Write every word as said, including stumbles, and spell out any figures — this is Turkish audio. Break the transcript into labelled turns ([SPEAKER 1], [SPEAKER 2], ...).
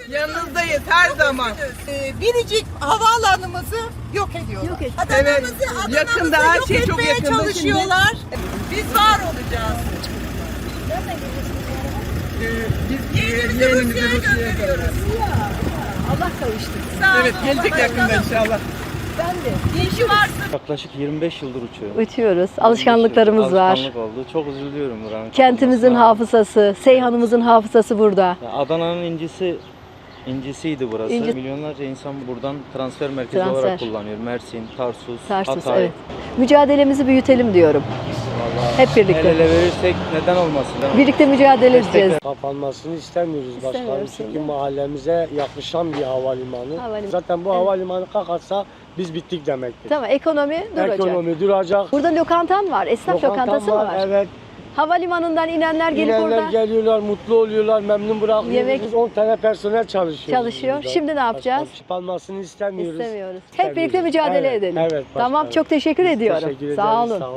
[SPEAKER 1] Yanınızdayız her zaman.
[SPEAKER 2] Ee, Biricik havaalanımızı yok ediyorlar.
[SPEAKER 3] Yok et-
[SPEAKER 2] Adana'mızı,
[SPEAKER 1] Evet,
[SPEAKER 2] Adana'mızı
[SPEAKER 1] yakında her
[SPEAKER 2] yok
[SPEAKER 1] şey çok
[SPEAKER 2] etmeye
[SPEAKER 1] yakında şimdi.
[SPEAKER 2] çalışıyorlar. Biz var olacağız.
[SPEAKER 1] Ee, biz
[SPEAKER 2] Yeğenimizi
[SPEAKER 1] yeğenimizi
[SPEAKER 2] Rusya'ya
[SPEAKER 1] Rusya'ya
[SPEAKER 2] gönderiyoruz.
[SPEAKER 3] Allah kavuştursun.
[SPEAKER 2] Sağ olun.
[SPEAKER 1] Evet, gelecek
[SPEAKER 2] Allah
[SPEAKER 1] yakında
[SPEAKER 2] başkanım.
[SPEAKER 1] inşallah.
[SPEAKER 3] Ben de.
[SPEAKER 2] İşi varsa
[SPEAKER 4] Yaklaşık yirmi beş yıldır uçuyorum.
[SPEAKER 3] Uçuyoruz. Alışkanlıklarımız var.
[SPEAKER 4] Alışkanlık oldu. Çok üzülüyorum buranın.
[SPEAKER 3] Kentimizin
[SPEAKER 4] kapanmasına.
[SPEAKER 3] hafızası, Seyhan'ımızın hafızası burada.
[SPEAKER 4] Ya Adana'nın incisi incisiydi burası.
[SPEAKER 3] İnci-
[SPEAKER 4] Milyonlarca insan buradan transfer merkezi
[SPEAKER 3] Transfer.
[SPEAKER 4] olarak kullanıyor. Mersin, Tarsus,
[SPEAKER 3] Tarsus,
[SPEAKER 4] Hatay.
[SPEAKER 3] evet. Mücadelemizi büyütelim diyorum.
[SPEAKER 4] Vallahi
[SPEAKER 3] Hep birlikte.
[SPEAKER 4] El ele verirsek neden olmasın? Değil mi?
[SPEAKER 3] Birlikte mücadele edeceğiz.
[SPEAKER 5] Kapanmasını istemiyoruz başkanım
[SPEAKER 3] İstemiyoruz,
[SPEAKER 5] çünkü
[SPEAKER 3] değil mi?
[SPEAKER 5] mahallemize yaklaşan bir havalimanı.
[SPEAKER 3] Havalimanı.
[SPEAKER 5] Zaten bu
[SPEAKER 3] Evet.
[SPEAKER 5] havalimanı kalkarsa biz bittik demektir.
[SPEAKER 3] Tamam, ekonomi duracak.
[SPEAKER 5] Ekonomi duracak.
[SPEAKER 3] Burada lokantan var, esnaf
[SPEAKER 5] Lokantam
[SPEAKER 3] lokantası mı var?
[SPEAKER 5] Evet.
[SPEAKER 3] Havalimanından inenler gelip
[SPEAKER 5] İnenler
[SPEAKER 3] orada
[SPEAKER 5] geliyorlar, mutlu oluyorlar, memnun bırakıyoruz.
[SPEAKER 3] Yemek-
[SPEAKER 5] Biz on tane personel çalışıyor.
[SPEAKER 3] çalışıyor. Şimdi ne yapacağız?
[SPEAKER 5] Kapanmasını istemiyoruz.
[SPEAKER 3] İstemiyoruz. Hep
[SPEAKER 5] İstemiyoruz.
[SPEAKER 3] birlikte mücadele
[SPEAKER 5] Evet,
[SPEAKER 3] edelim.
[SPEAKER 5] evet
[SPEAKER 3] tamam,
[SPEAKER 5] başkanım.
[SPEAKER 3] çok teşekkür
[SPEAKER 5] Biz
[SPEAKER 3] ediyorum.
[SPEAKER 5] teşekkür
[SPEAKER 3] Sağ
[SPEAKER 5] ederiz,
[SPEAKER 3] olun.
[SPEAKER 5] sağ olun.